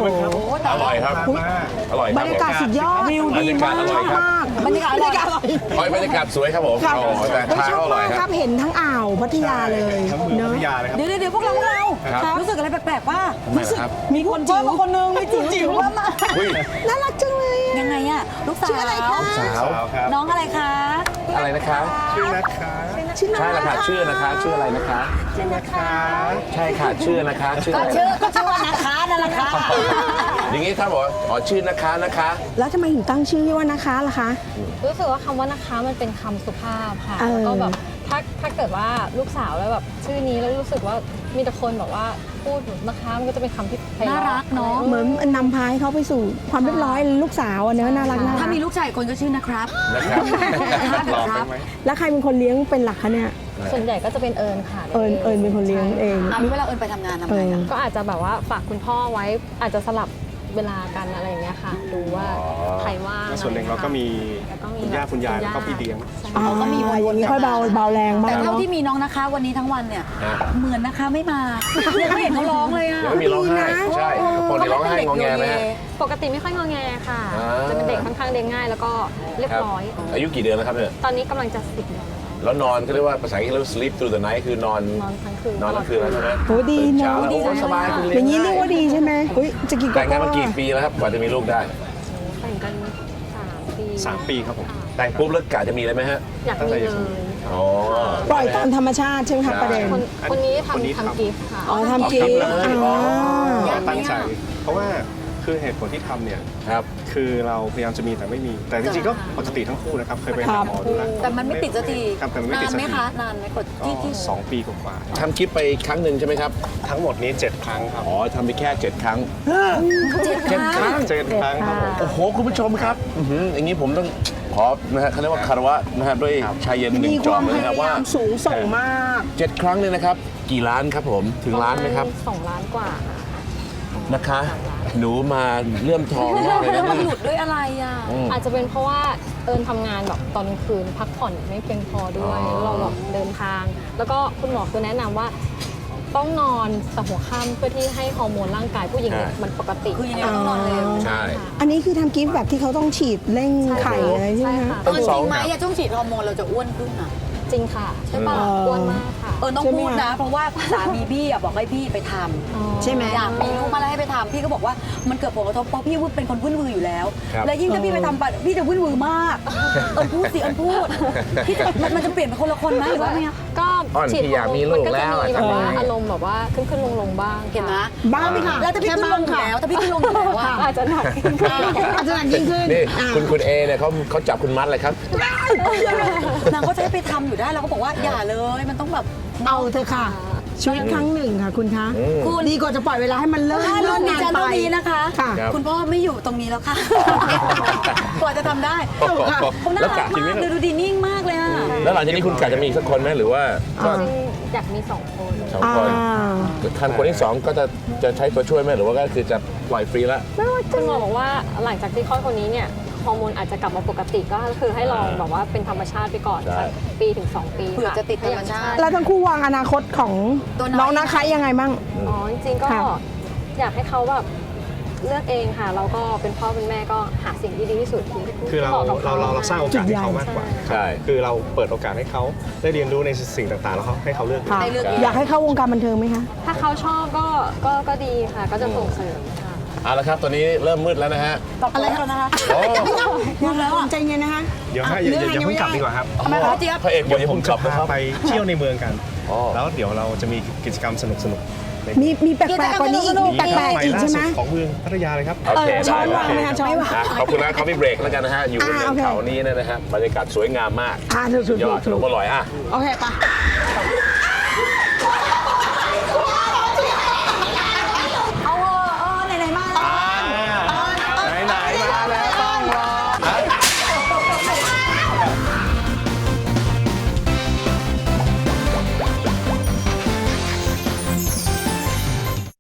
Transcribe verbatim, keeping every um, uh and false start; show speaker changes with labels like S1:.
S1: บ้างครับ
S2: อร่อยครับอร่อยครับ
S3: บรรยากาศสุดยอด
S2: วิวดีมากอร่อยครับ
S3: บรรยากาศอร่อย
S2: โอ้ยบรรยากาศสวยครับผม
S3: ครับ
S2: โอ้แต่
S3: ไม่
S2: ทาน
S3: ชอบ
S2: อร่อ
S3: มาย ก
S2: ค
S3: ค
S2: รั
S3: รั
S2: บบ
S3: เห็นทั้งอ่าวพัทยาเลย
S1: ทั้งเมือง
S3: เน
S1: พั
S3: อะ
S1: ทยาเลยครับ
S4: เดี๋ยวเดี๋ยวพวกเราพวกเรา
S2: ครับ
S4: รู้สึกอะไรแปลกๆว่า
S2: ทำไมล่ะครับ
S4: มีคนจิ๋วคนนึงมีจิ๋วจิ๋วมาก
S2: อุ้ย
S3: น่ารักจังเลยอะ
S4: ยังไงอะลูกสาว
S3: ชื่ออะไรคะ
S2: สาว
S1: สาวครับ
S4: น้องอะไรคะ
S2: อะไรนะคะ
S1: ชื่อนะคะ
S3: ชื่อน่า
S2: ใช่
S3: รั
S2: ละ
S3: ก
S2: ค่ะชื่อนะคะชื่ออะไรนะคะ
S1: ชื่อนะคะ
S2: ใช่ค่ะชื่อนะคะชื่อ
S4: ก็
S2: อะไร
S4: ชื่อก็ชื่อว่านะคะนั่นแหละค่ะ
S2: อย่างนี้ถ้าบอกว่าอ๋อชื่อนะคะนะคะ
S3: แล้วทำไมถึงตั้งชื่อว่านะคะล่ะคะ
S5: รู้สึกว่าคำว่านะคะมันเป็นคำสุภาพค่ะ
S3: เออ
S5: แล้วก็แบบถ้าถ้าเกิดว่าลูกสาวแล้วแบบชื่อนี้แล้วรู้สึกว่ามีแต่คนบอกว่าพูดนะคะมันก็จะเป็นคำที่ไพเราะ
S4: น่ารักเนอะ
S3: เหมือนนำพาให้เขาไปสู่ความเรียบร้อยลูกสาวอะเนอะน่ารักน่ารั
S4: ถ้าก มีลูกชายอีกคนก็ชื่อนะครับ
S2: นะครับ
S1: ลองได้ไหม
S3: แล้วใครเป็นคนเลี้ยงเป็นหลักคะเนี่ย
S5: ส่วนใหญ่ก็จะเป็นเอิญค่ะ
S3: เอิญเอิญเป็นคนเลี้ยงเอง
S4: อ่ะเวลาเอิญไปทำงานทำไงอะ
S5: ก็อาจจะแบบว่าฝากคุณพ่อไว้อาจจะสลับเวลากันอะไรอย่างเงี้ยค่ะดูว่าใครว่าง
S1: แล้วส่วนหนึ่งเราก็มี
S5: แล้วก็มี
S1: คุณย่าคุณยายแล้วก็พี่เลี้ยง
S5: ใช่
S3: อ๋ออย่างนี้ค่อยเบาเบาแรงบ้า
S4: แต่
S3: ง
S4: เท่า
S3: เนาะ
S4: ที่มีน้องนะคะวันนี้ทั้งวันเนี่ย
S2: ฮะ
S4: เหมือนนะคะไม่มายังไม่เห็นเขาร้องเลยอะ
S2: ยังไม่มีร้องไห้ใช่คนที่ร้องไห้งอแงไหมฮะ
S5: ปกติไม่ค่อยงอแงค่ะ
S2: อ่า
S5: จะเป็นเด็กค่อนข้างเลี้ยงง่ายแล้วก็เรียบ
S2: ครับ
S5: ร้อย
S2: อายุกี่เดือนแล้วครับเนี่ย
S5: ตอนนี้กำลังจะสิบเดือนแล้ว
S2: แล้วนอนก็เรียกว่าภาษาอังกฤษเรียกว่า sleep through the night คือนอน
S5: นอนทั้งคืน
S2: นอนทั้งคืนแล้วใช่ไหม
S3: โหดี
S2: ตื่น
S3: เน
S2: เช้า
S3: อะ
S2: แล้วโอ้สบายคุณ
S3: อย่างนี้
S2: นี้
S3: เรียกว่าดีใช่ไหมอุ้ยจะกี่
S2: แต่งงานมากี่ปีแล้วครับกว่าจะมีลูกได้
S5: แต่งกันสามปี
S1: สามปีครับผม
S2: แต่งปุ๊บแล้วกะจะมีเลยไหมฮะ
S5: อยากมีเลย
S2: อ๋อ
S3: ปล่อยตามธรรมชาติใช่ไหมคะประเด็น
S5: คนคนนี้
S1: คนนี้
S5: ทำ
S1: ทำ
S5: ทำกิฟต์ค่ะ
S3: อ๋อทำกิฟต์
S2: อ๋อ
S3: อ๋อ
S1: เราตั้งใจ เพราะว่าคือเหตุผลที่ทำเนี่ย
S2: ครับ
S1: คือเราพยายามจะมีแต่ไม่มี แต่จริงๆก็ปกติทั้งคู่นะครับ เคยไปหาหมอดูแล้ว
S4: แต่มันไม่ติดสักที
S1: ครับแต่มันไม่
S4: นา
S1: ติด
S4: น
S1: สัก
S4: ไหม
S1: ที
S4: คะนานไหมกด
S1: ก็
S4: ที่ที่
S1: สองปีกว่า
S2: ทำคลิปไปครั้งหนึ่งใช่ไหมครับ
S1: ๆทั้งหมดนี้เจ็ดครั้งครับ
S2: อ๋อทำไปแค่เจ็ดครั้ง
S4: เจ็ดครั้ง
S1: เจ็ดครั้งครับผม
S2: โอ้โห คุณผู้ชมครับอื้อหืออย่างนี้ผมต้องขอนะฮะเขาเรียกว่าคารวะนะฮะด้วยชายเย็นหนึ่
S3: มี
S2: ง
S3: ค
S2: จอ
S3: วาม
S2: มเลย
S3: พ
S2: นะครับ
S3: ยา
S2: ว่า
S3: ยามสูงส่งมาก
S2: เจ็ดครั้งเนี่ยนะครับ กี่ล้านครับผมถึงล้านไหมครับ
S5: สองล้านกว่าค่ะ
S2: นะคะ หนูมาเลื่อมทองมากเลย
S4: แล้ว
S2: นะ
S4: มัน
S2: เนี่ย
S4: หลุดด้วยอะไรอ่ะ
S2: อืม
S5: อาจจะเป็นเพราะว่าเอิญทำงานแบบตอนกลางคืนพักผ่อนไม่เพียงพอด้วย
S2: อ๋อ
S5: แล้วเราแบบเดินทาง แล้วก็คุณหมอคือแนะนำว่าต้องนอนแต่หัวค่ำเพื่อที่ให้ฮอร์โมนร่างกายผู้หญิงเนี่ยมันปกติ
S4: คือยังไงก็ต้องนอนเร็ว
S2: ใช่
S3: อันนี้คือทำกิฟต์แบบที่เขาต้องฉีดเร่งไข่อะไรใช่ไหม
S5: ใช่
S3: คะ
S5: ค่ะ
S4: เออจริงไหมอะช่วงฉีดฮอร์โมนเราจะอ้วนขึ้นอ่ะ
S5: จริงค่ะ ใช่ป่ะ
S3: อืม
S5: อ้วนมากค่ะ
S4: เออต้อง
S3: ใช่ไหม
S4: พูดนะ
S3: คะ
S4: เพราะว่าสามีพี่อะบอกให้พี่ไปทำ
S3: ใช่ไหม
S4: อยากมีลูกมาแล้วให้ไปทำพี่ก็บอกว่ามันเกิดผลกระทบเพราะพี่เป็นคนวุ่นวืออยู่แล้ว
S2: ครับ
S4: และยิ่งถ้าพี่ไปทำไปพี่จะวุ่นวือมาก เอิญพูดสิเอิญพูดพี่จะมันมันจะเปลี่ยนเป็นคนละคนไหมหรือว่าไง
S5: ก็
S2: อ่อน
S5: ฉีด
S2: พี่อยากมีลูกแล้ว
S5: มันก็จะมีแบบว่า
S2: ทำไง
S5: อารมณ์แบบว่าขึ้นขึ้นลงลงๆบ้าง
S4: เห็นไหม
S5: ค่ะ
S3: บ้างไหมคะ
S4: แล้วถ้าพี่ขึ้นลงอยู่แล้วถ้าพี่ขึ้นลงอยู่แล้วอะ
S5: อาจจะหนักขึ้น
S3: อาจจะหนักยิ่งขึ้น
S2: นี่
S3: อ่ะ
S2: คุณคุณเอเนี่ยเขาเขาจับคุณมัดเลยครับ
S4: นางก็จะให้ไปทำอยู่ได้เราก็บอกว่าอย่าเลยมันต้องแบบ
S3: เอาเถอะค่ะ ชีวิตครั้งหนึ่งค่ะคุณคะ
S2: อืม
S4: คุณ
S3: ดีกว่าจะปล่อยเวลาให้มันเลิก
S4: ถ้า
S3: เลิ
S4: รุ่
S3: ก
S4: นดิ
S3: งาน
S4: ฉัน
S3: ไป
S4: เท่านี้นะคะ
S3: ค่ะ
S2: ครับ
S4: คุณพ่อไม่อยู่ตรงนี้แล้วค่ะ กว่าจะทำได้เขาน่า
S2: แล้ว
S4: รั
S2: กะ
S4: ก
S2: จริงไหม
S4: มากดูดูดีนิ่งมากเลยอ่ะ
S2: แล้วหลังจากนี้คุณกะจะมีอีกสักคนไหมหรือว่าก็
S3: อ่า
S5: จริงอยากมีสองคน
S2: สอง
S3: อ่า
S2: คนคันคนที่สองก็จะจะใช้ตัวช่วยไหมหรือว่าก็คือจะปล่อยฟรีแล้ว
S5: คุณหมอบอกว่าหลังจากที่คลอดคนนี้เนี่ยฮอร์โมนอาจจะกลับมาปกติก็คือให้ลองแบบว่าเป็นธรรมชาติไปก่อน
S2: ใช่
S5: สักปีถึงสองปี
S4: เผื่อ
S5: ค่
S4: จะติดธรรมชาติ
S3: แล้วทั้งคู่วางอนาคตของ
S4: ตัวน้อย
S3: น้องนะคะยังไงบ้าง
S5: อ๋อจริงๆก็
S3: ค่ะ
S5: อยากให้เขาแบบเลือกเองค่ะแล้วก็เป็นพ่อเป็นแม่ก็หาสิ่งที่ดีที่สุดที่
S1: คือเรา
S5: หมะกับข
S1: เราเราเราสร้างโอกาสให้เขามากกว่า
S2: ใช่
S1: คือเราเปิดโอกาสให้เขาได้เรียนรู้ในสิ่งต่างๆ แล้วเขาให้เขาเลือก
S3: ค่ะ
S4: ได้เลือกเอง
S3: อยากให้เข้าวงการบันเทิงไหมคะ
S5: ถ้าเขาชอบก็ก็ก็ดีค่ะ ก็จะส่งเสริมค่ะ
S2: เอาละครับตอนนี้เริ่มมืดแล้วนะฮะ
S3: อะไรคะนะคะ
S2: โอ้
S3: ยังแล้วใจเย็นนะคะ
S1: เดี๋ยวฮะอย่าอย่าอย่าเพิ่งกลับดีกว่าครับ
S4: ทำไมคะเจี๊ยบ
S2: พระเอกบอกอย่า
S1: ผ
S2: ผม ม
S1: จะ
S2: กลับนะ
S1: พา
S2: ครับ
S1: ไปเที่ยวในเมืองกัน
S2: อ๋อ
S1: แล้วเดี๋ยวเราจะมีกิจกรรมสนุกๆใน
S3: มีมีแปลกๆกว่านี้อีกมี
S1: มี
S3: แปลก
S1: ใหม่
S3: ๆอีก
S1: ล่า
S3: ใช่
S1: สุ
S3: ไหม
S1: ดของเมืองพัทยาเลยครับ
S2: โอเค
S3: เออช้อน
S2: ได้
S3: วางไหมคะช้อนวาง
S2: นะขอบคุณนะเขาพี่เบรกแล้วกันนะฮะ อยู่บน
S3: อ่า
S2: เนิ
S3: โอน เค
S2: เขานี้เนยนะฮะบรรยากาศสวยงามมาก
S3: อ่าถูกถูก
S2: ยอดข
S3: ถู
S2: น
S3: ก
S2: มอร่อยอ่ะ
S3: โอเคปะ